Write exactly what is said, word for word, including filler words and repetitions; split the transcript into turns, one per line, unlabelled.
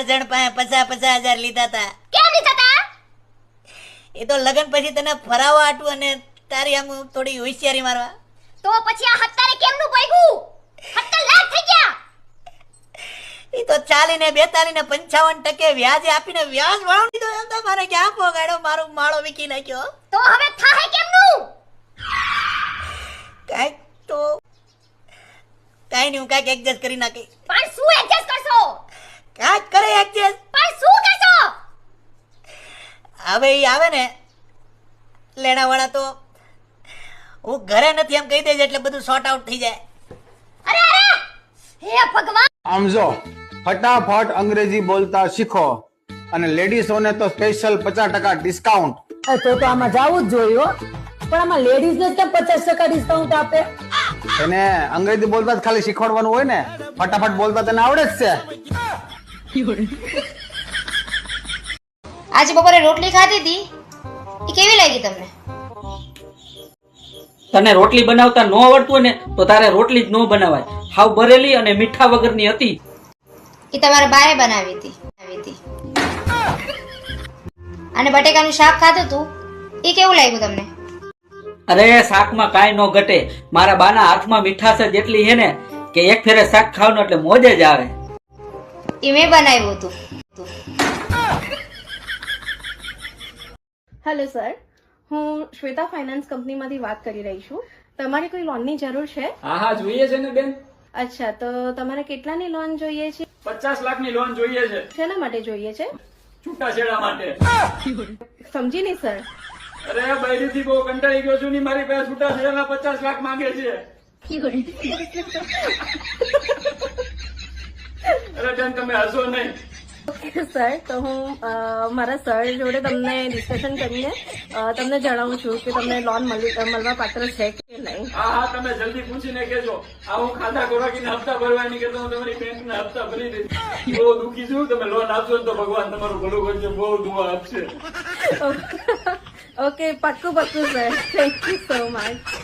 જણ પાસે પચાસ પચાસ હજાર લીધા હતા.
કેમ લીધા હતા?
એ તો લગન પછી તને ફરાવવા આટું અને તારી આમ થોડી હોશિયારી મારવા.
તો પછી આ હત્તારે કેમનું ભાગ્યું? સત્તર લાખ થઈ ગયા.
એ તો ચાલીને બેતાલીને પંચાવન ટકે વ્યાજે આપીને વ્યાજ વાળો દીધો. એમ તો મારે ક્યાં પોગાડ્યો, મારો માળો વીકી નાખ્યો.
તો હવે થાહે કેમનું?
કાંઈક તો કાંઈ નહીં, હું કાંઈક એડજસ્ટ કરી નાખી.
પણ શું એડજસ્ટ કરશો?
કાંઈક કરે એડજસ્ટ.
પણ શું કરશો?
હવે એ આવે ને લેણાવાળા તો હું ઘરે નથી એમ કહી દેજે એટલે બધું સોર્ટ આઉટ થઈ જાય.
અરે અરે હે ભગવાન.
આમ જો ફટાફટ અંગ્રેજી બોલતા શીખો અને લેડીઝોને તો સ્પેશિયલ પચાસ ટકા ડિસ્કાઉન્ટ.
તો તો આમાં જવું જ જોઈએ હો. પણ આમાં લેડીઝ ને કેમ પચાસ ટકા ડિસ્કાઉન્ટ આપે?
એને અંગ્રેજી બોલતા જ ખાલી શીખવાડવાનું હોય ને, ફટાફટ બોલતા તને આવડે જ છે.
આજે બપોરે રોટલી ખાધી હતી, એ કેવી લાગી તમને?
તને રોટલી બનાવતા ન આવડતું હોય ને તો તારે રોટલી જ ન બનાવાય. હાવ બરેલી અને મીઠા વગરની હતી.
એ તમારા બાએ બનાવી હતી. બનાવી હતી. અને બટેકાનું શાક ખાધું તું, એ કેવું લાગ્યું તમને?
અરે શાકમાં કાંઈ ન ઘટે. મારા બાના હાથમાં મીઠાશ જ એટલી છે ને કે એક ફેરે શાક ખાવાનું એટલે મોજે જ આવે.
એ મેં બનાવ્યું હતું.
હેલો સર, હું શ્વેતા ફાઇનાન્સ કંપનીમાંથી વાત કરી રહી છું. તમારે કોઈ લોનની જરૂર છે?
હા હા જોઈએ છે ને બેન.
અચ્છા, તો તમારે કેટલાની લોન જોઈએ છે?
પચાસ લાખની લોન જોઈએ છે.
શેના માટે જોઈએ છે?
છૂટાછેડા માટે.
સમજી નહીં સર.
અરે બૈરીથી બહુ કંટાળી ગયો છું ને મારી પાસે છૂટાછેડાના પચાસ લાખ માંગે છે. અરે બેન તમે હસો નહીં.
ઓકે સર, તો હું અ, મારા સર જોડે તમને ડિસ્કશન કરીને અ, તમને જણાવું છું કે તમને લોન મળી મળવા પાત્ર છે કે નહીં.
હા હા તમે જલ્દી પૂછીને કેજો. આ હું ખાતા ખોરાકીને હપ્તા ભરવાની કે તો હું તમારી બેંકના હપ્તા ભરી દઈશ. બહુ દુઃખી છું. તમે લોન આપશો ને તો ભગવાન તમારું ભલું કરશે, બહુ દુઆ આપશે.
ઓકે, પાક્કું પાક્કું sir. Thank you so much.